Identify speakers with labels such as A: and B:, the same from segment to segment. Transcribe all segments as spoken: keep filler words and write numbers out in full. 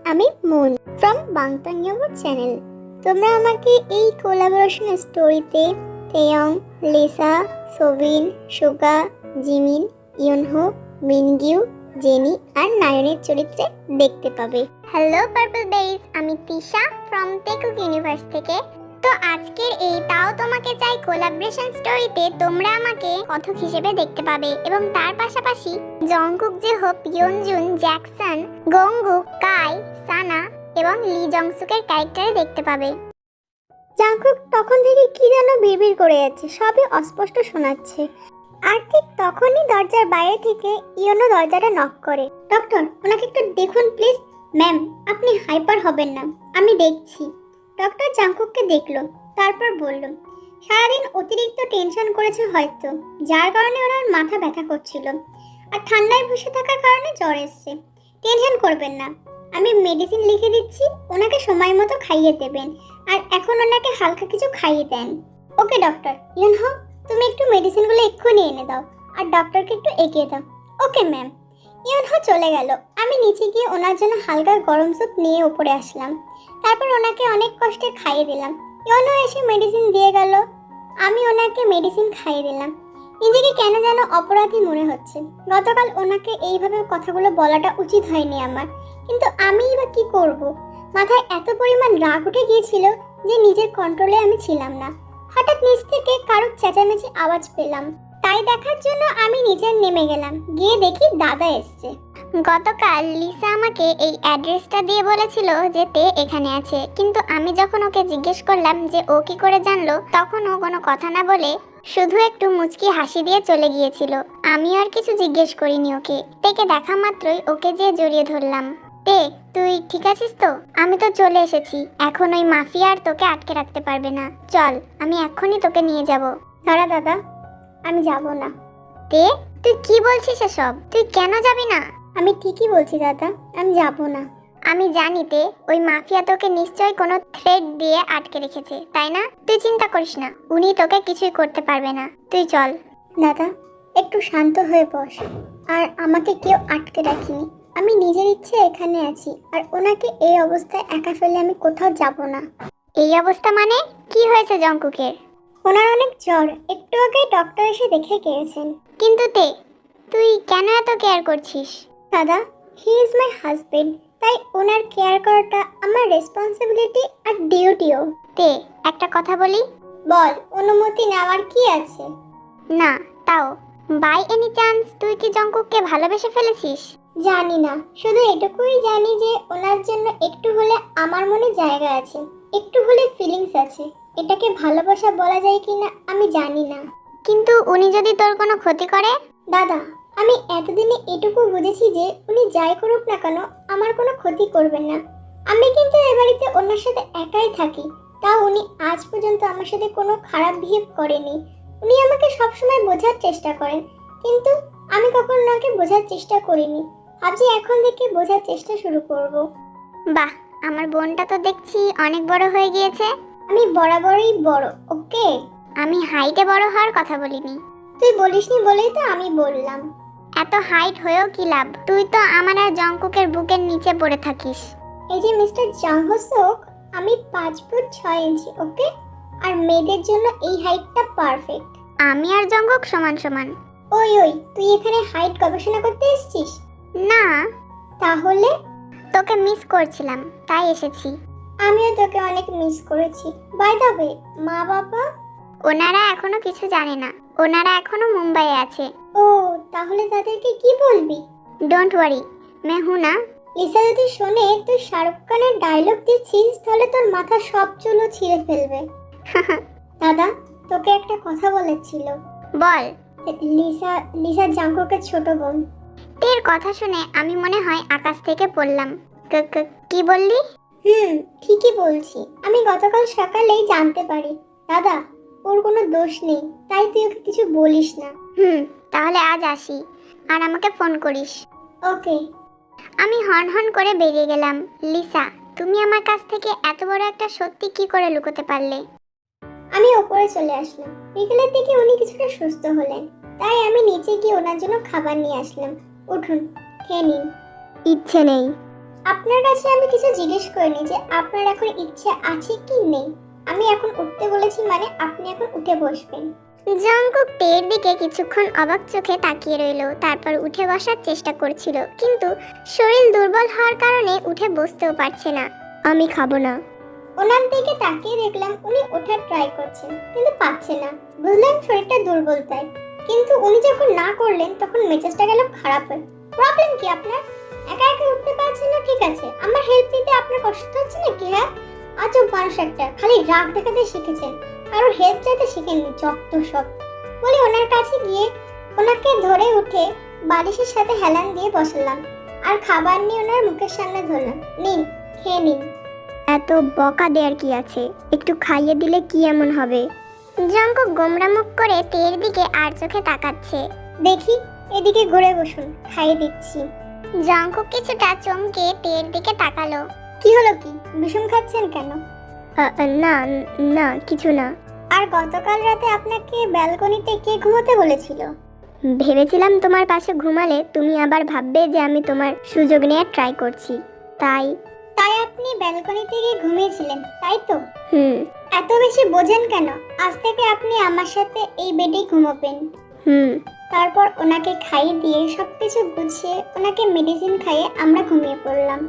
A: আমি moon from বাংতাংয়াবো channel. তোমরা আমাকে এই কোলাবোরেশন স্টোরিতে Taeyong, Lisa, Sobin, Suga, Jimin, Yunho, Mingyu, Jennie আর নায়নের চরিত্রে দেখতে পাবে। হ্যালো পার্পল বেরিজ, আমি তিশা ফ্রম টেকুক ইউনিভার্স থেকে। তো আজকের এই তাও তোমাকে চাই কোলাবোরেশন স্টোরিতে তোমরা আমাকে কথক হিসেবে দেখতে পাবে এবং তার পাশাপাশি জংকুক, জেহোপ, ইয়নজুন, জ্যাকসন, গংগুক, কাই, সানা এবং লি জংসুকের ক্যারেক্টারে দেখতে পাবে। জংকুক তখন থেকে কি যেন বিড়বিড় করে যাচ্ছে, সবই অস্পষ্ট শোনাচ্ছে। আর ঠিক তখনই দরজার বাইরে থেকে ইয়নো দরজাটা নক করে। ডক্টর, ওনাকে একটু দেখুন প্লিজ। ম্যাম, আপনি হাইপার হবেন না, আমি দেখছি। ডক্টর জাংকুককে দেখলো, তারপর বলল, সারাদিন অতিরিক্ত টেনশন করেছে হয়তো, যার কারণে ওনার মাথা ব্যথা করছিল আর ঠান্ডায় বসে থাকার কারণে জ্বর এসছে। টেনশন করবেন না, আমি মেডিসিন লিখে দিচ্ছি, ওনাকে সময় মতো খাইয়ে দেবেন আর এখন ওনাকে হালকা কিছু খাইয়ে দেন। ওকে ডক্টর। ইউনহো, তুমি একটু মেডিসিনগুলো এক্ষুনি এনে দাও আর ডক্টরকে একটু এগিয়ে দাও। Okay ma'am. ইউনহো চলে গেল। আমি নিচে গিয়ে ওনার জন্য হালকা গরম স্যুপ নিয়ে উপরে আসলাম। তারপর ওনাকে অনেক কষ্টে খাইয়ে দিলাম। ইউনহো এসে মেডিসিন দিয়ে গেল, আমি ওনাকে মেডিসিন খাইয়ে দিলাম। নিজেকে কেন যেন অপরাধী মনে হচ্ছে। গতকাল ওনাকে এইভাবে কথাগুলো বলাটা উচিত হয়নি আমার, কিন্তু আমিই বা কি করব। মাথায় এত পরিমাণ রাগ উঠে গিয়েছিল যে নিজের কন্ট্রোলে আমি ছিলাম না। হঠাৎ নিচ থেকে কারোর চেঁচামেচি আওয়াজ পেলাম, তাই দেখার জন্য আমি নিচে নেমে গেলাম। গিয়ে দেখি দাদা এসছে। গতকাল লিসা আমাকে এই অ্যাড্রেসটা দিয়ে বলেছিল যে তে এখানে আছে, কিন্তু আমি যখন ওকে জিজ্ঞেস করলাম যে ও কি করে জানলো, তখন ও কোনো কথা না বলে শুধু একটু মুচকি হাসি দিয়ে চলে গিয়েছিল। আমি আর কিছু জিজ্ঞেস করিনি ওকে। তেকে দেখা মাত্রই ওকে যেয়ে জড়িয়ে ধরলাম। তে, তুই ঠিক আছিস তো? আমি তো চলে এসেছি, এখন ওই মাফিয়া আর তোকে আটকে রাখতে পারবে না। চল, আমি এক্ষুনি তোকে নিয়ে যাব। দাঁড়া দাদা, আমি যাব না। তে, তুই কি বলছিস এসব? তুই কেন যাবি না? আমি ঠিকই বলছি দাদা, আমি যাব না। আমি জানি তে, ওই মাফিয়া তোকে নিশ্চয়ই কোনো থ্রেড দিয়ে আটকে রেখেছে, তাই না? তুই চিন্তা করিস না, উনি তোকে কিছুই করতে পারবে না। তুই চল। দাদা, একটু শান্ত হয়ে বস। আর আমাকে কেউ আটকে রাখিনি, আমি নিজের ইচ্ছে এখানে আছি। আর ওনাকে এই অবস্থায় একা ফেলে আমি কোথাও যাব না। এই অবস্থা মানে? কি হয়েছে জংকুকের? ওনার অনেক জ্বর, একটু আগে ডক্টর এসে দেখে গিয়েছেন। কিন্তু তে, তুই কেন এত কেয়ার করছিস? দাদা, হি ইজ মাই হাজবেন্ড, তাই ওনার কেয়ার করাটা আমার রেসপন্সিবিলিটি আর ডিউটিও। তে, একটা কথা বলি? বল। অনুমতি নেওয়ার কি আছে? না, তাও বাই এনি চান্স তুই কি জংকুককে ভালোবেসে ফেলেছিস? জানি না, শুধু এটুকুই জানি যে ওনার জন্য একটু হলে আমার মনে জায়গা আছে, একটু হলে ফিলিংস আছে। এটাকে ভালোবাসা বলা যায় কিনা আমি জানি না। কিন্তু উনি যদি তোর কোনো ক্ষতি করে? দাদা, আমি এতদিনে এটুকু বুঝেছি যে উনি যাই করুক না কেন আমার কোনো ক্ষতি করবেন না। আমি কিন্তু এ বাড়িতে ওনার সাথে একাই থাকি, তাও উনি আজ পর্যন্ত আমার সাথে কোনো খারাপ বিহেভ করেনি। উনি আমাকে সবসময় বোঝার চেষ্টা করেন, কিন্তু আমি কখনো ওনাকে বোঝার চেষ্টা করিনি। ভাবছি এখন থেকে বোঝার চেষ্টা শুরু করব। বাহ, আমার বোনটা তো দেখছি অনেক বড় হয়ে গিয়েছে। আমি বরাবরই বড়, ওকে? আমি হাইটে বড় হওয়ার কথা বলিনি। তুই বলিসনি বলেই তো আমি বললাম। এত হাইট হয়েও কি লাভ? তুই তো আমার আর জংকুকের বুকের নিচে পড়ে থাকিস। এই যে মিস্টার জংহসুক, আমি পাঁচ ফুট ছয় ইঞ্চি, ওকে? আর মেয়েদের জন্য এই হাইটটা পারফেক্ট। আমি আর জংকুক সমান সমান। ওই ওই, তুই এখানে হাইট গবেষণা করতে এসেছিস? না। তাহলে? তোকে মিস করছিলাম, তাই এসেছি। আমিও তোকে অনেক মিস করেছি। বাই দ্য ওয়ে, মা বাবা? ওনারা এখনো কিছু জানে না, ওনারা এখনো মুম্বাইয়ে আছে। ও, তাহলে তাদেরকে কি বলবি? ডোন্ট ওয়ারি, মে হু না। লিসা যদি শোনে তুই শাহরুখ খানের ডায়লগ দিচ্ছিস, তাহলে তোর মাথা সব চুলও ছিঁড়ে ফেলবে। দাদা, তোকে একটা কথা বলেছিল। বল। লিসা লিসা জাংকুকের ছোট বোন। তোর কথা শুনে আমি মনে হয় আকাশ থেকে পড়লাম। কি বললি? হুম, ঠিকই বলছি। আমি গতকাল সকালেই জানতে পারি। দাদা, ওর কোনো দোষ নেই, তাই তুই ওকে কিছু বলিস না। হুম, তাহলে আজ আসি, আর আমাকে ফোন করিস। ওকে। আমি হন হন করে বেরিয়ে গেলাম। লিসা, তুমি আমার কাছ থেকে এত বড় একটা সত্যি কি করে লুকোতে পারলে? আমি ওপরে চলে আসলাম। বিকেলের দিকে উনি কিছুটা সুস্থ হলেন, তাই আমি নিচে গিয়ে ওনার জন্য খাবার নিয়ে আসলাম। উঠুন, খেয়ে নিন। ইচ্ছে নেই। আপনার কাছে আমি কিছু জিজ্ঞেস করিনি যে আপনার এখন ইচ্ছে আছে কি নেই। আমি এখন উঠতে বলেছি মানে আপনি এখন উঠে বসবেন।
B: জঙ্কুক তের দিকে কিছুক্ষণ অবাক চোখে তাকিয়ে রইল, তারপর উঠে বসার চেষ্টা করছিল, কিন্তু শরীর দুর্বল হওয়ার কারণে উঠে বসতেও পারছে না। আমি খাবো না।
A: ওনার দিকে তাকিয়ে দেখলাম উনি ওঠার ট্রাই করছেন কিন্তু পাচ্ছে না। বুঝলাম শরীরটা দুর্বল তাই, কিন্তু উনি যখন না করলেন তখন মেজাজটা গেল খারাপ হয়ে। প্রবলেম কি আপনার? একা একা উঠতে পারছেন না ঠিক আছে, আমার হেল্প নিতে আপনার কষ্ট হচ্ছে নাকি? হ্যাঁ, আজব মানুষ একটা, খালি রাগ দেখাতে শিখেছেন, কারোর হেল্প চাইতে শিখেননি, যত সব। বলে ওনার কাছে গিয়ে ওনাকে ধরে উঠে বালিশের সাথে হেলান দিয়ে বসালাম আর খাবার নিয়ে ওনার মুখের সামনে ধরলাম। নিন, খেয়ে নিন।
B: এত বকা দেওয়ার কি আছে, একটু খাইয়ে দিলে কি এমন হবে? জঙ্কুক গোমরা মুখ করে তের দিকে আর চোখে তাকাচ্ছে।
A: দেখি, এদিকে ঘুরে বসুন, খাইয়ে দিচ্ছি।
B: জঙ্কুক কিছুটা চমকে তের দিকে তাকালো।
A: কি হলো, কি বিষম খাচ্ছেন কেন?
B: আ, আ, না না কিছু না।
A: আর গতকাল রাতে আপনাকে ব্যালকনিতে কে ঘুমোতে বলেছিল?
B: ভেবেছিলাম তোমার পাশে ঘুমালে তুমি আবার ভাববে যে আমি তোমার সুযোগ নেওয়ার ট্রাই করছি, তাই।
A: তাই আপনি ব্যালকনিতে গিয়ে ঘুমিয়েছিলেন, তাই তো?
B: হুম
A: এত বেশি বোঝেন কেন? আজ থেকে আপনি আমার সাথে এই বেডেই ঘুমোবেন।
B: হুম
A: তারপর ওনাকে খাইয়ে দিয়ে সবকিছু গুছিয়ে ওনাকে মেডিসিন খাইয়ে আমরা ঘুমিয়ে পড়লাম।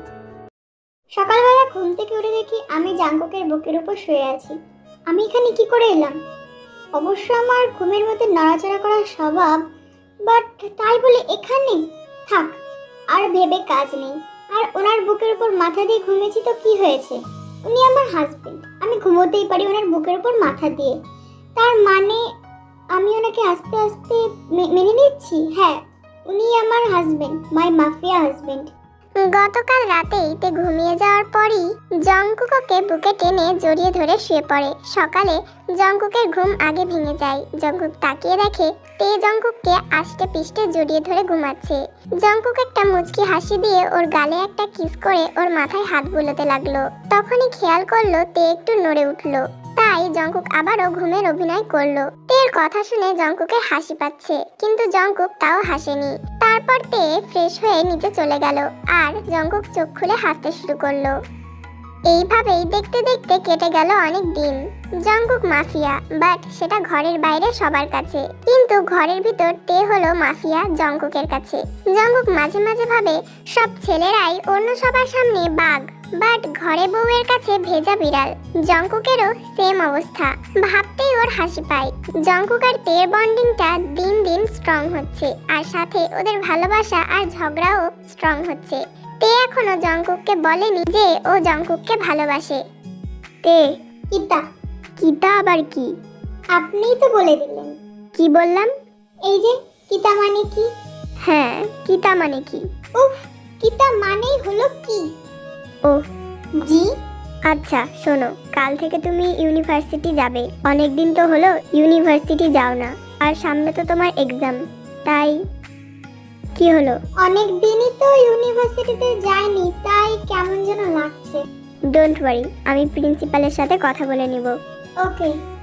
A: সকালবেলা ঘুম থেকে উঠে দেখি আমি জাঙ্কুকের বুকের উপর শুয়ে আছি। আমি এখানে কি করে এলাম? অবশ্য আমার ঘুমের মধ্যে নড়াচড়া করার স্বভাব, বাট তাই বলে এখানে থাক, আর ভেবে কাজ নেই। আর ওনার বুকের উপর মাথা দিয়ে ঘুমিয়েছি তো কি হয়েছে? উনি আমার হাজবেন্ড, আমি ঘুমোতেই পারি ওনার বুকের উপর মাথা দিয়ে। তার মানে আমি ওনাকে আস্তে আস্তে মেনে নিচ্ছি। হ্যাঁ, উনি আমার হাজবেন্ড, মাই মাফিয়া হাজবেন্ড।
B: গতকাল রাতেই তে ঘুমিয়ে যাওয়ার পরই জঙ্কুককে বুকে টেনে জড়িয়ে ধরে শুয়ে পড়ে। সকালে জঙ্কুকের ঘুম আগে ভেঙে যায়। জঙ্কুক তাকিয়ে দেখে তে জঙ্কুককে আষ্টে পিষ্টে জড়িয়ে ধরে ঘুমাচ্ছে। জঙ্কুক একটা মুচকি হাসি দিয়ে ওর গালে একটা কিস করে ওর মাথায় হাত বুলোতে লাগলো। তখনই খেয়াল করলো তে একটু নড়ে উঠলো, তাই জঙ্কুক আবারও ঘুমের অভিনয় করলো। তের কথা শুনে জঙ্কুকের হাসি পাচ্ছে, কিন্তু জঙ্কুক তাও হাসেনি। তারপর তে ফ্রেশ হয়ে নিচে চলে গেল আর জঙ্কুক চোখ খুলে হাসতে শুরু করলো। এইভাবেই দেখতে দেখতে কেটে গেল অনেক দিন। জঙ্কুক মাফিয়া, বাট সেটা ঘরের বাইরে সবার কাছে, কিন্তু ঘরের ভিতর তে হলো মাফিয়া জঙ্কুকের কাছে। জঙ্কুক মাঝে মাঝে ভাবে সব ছেলেরাই অন্য সবার সামনে বাঘ, বাট ঘরে বউয়ের কাছে ভেজা বিড়াল। জঙ্কুকেরও সেম অবস্থা, ভাবতেই ওর হাসি পায়। জঙ্কুক আর তের বন্ডিংটা দিন দিন স্ট্রং হচ্ছে, আর সাথে ওদের ভালোবাসা আর ঝগড়াও স্ট্রং হচ্ছে। তে এখনো জঙ্কুককে বলেনি যে ও জঙ্কুককে ভালোবাসে। তে
A: কিতা?
B: কিতা আবার কি?
A: আপনিই তো বলে দিলেন।
B: কি বললাম?
A: এই যে কিতা মানে কি?
B: হ্যাঁ, কিতা মানে কি?
A: উফ, কিতা মানেই হলো কি?
B: ও
A: জি।
B: আচ্ছা শোনো, কাল থেকে তুমি ইউনিভার্সিটি যাবে। অনেক দিন তো হলো ইউনিভার্সিটি যাও না, আর সামনে তো তোমার এক্সাম, তাই। কি হলো?
A: অনেক দিনই তো ইউনিভার্সিটিতে যাইনি, তাই কেমন যেন লাগছে।
B: ডোন্ট ওয়ারি, আমি প্রিন্সিপালের সাথে কথা বলে নিব।
A: ওকে।